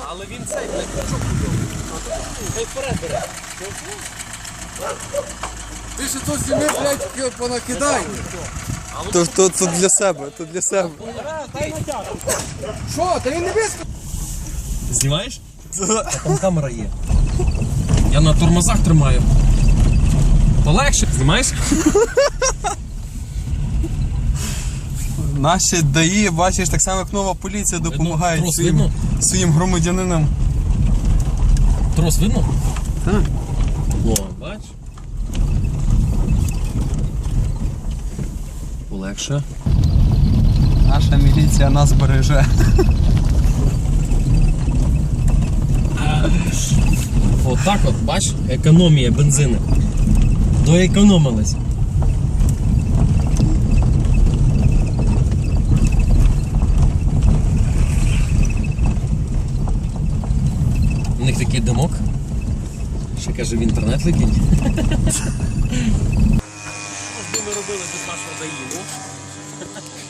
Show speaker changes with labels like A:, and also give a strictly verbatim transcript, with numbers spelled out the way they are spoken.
A: але він цей, блядь, крючок купив. Хай вперед бере.
B: Ти ще тут зніми, блядь, понакидай.
C: То, то, то для себе, то для себе.
B: Що, та він не вискочив?
A: Знімаєш? А там камера є. Я на тормозах тримаю. Полегше. Знімаєш?
C: Наші ДАІ, бачиш, так само як нова поліція допомагають
A: Трос
C: своїм,
A: видно?
C: своїм громадянинам.
A: Трос видно?
C: Так.
A: О, бач. Полегше.
C: Наша міліція нас береже.
A: Отак от, бач, економія бензину. Доекономилась. У них такий димок. Ще каже, в інтернет викинь. Що ж би ми робили без нашого даїву?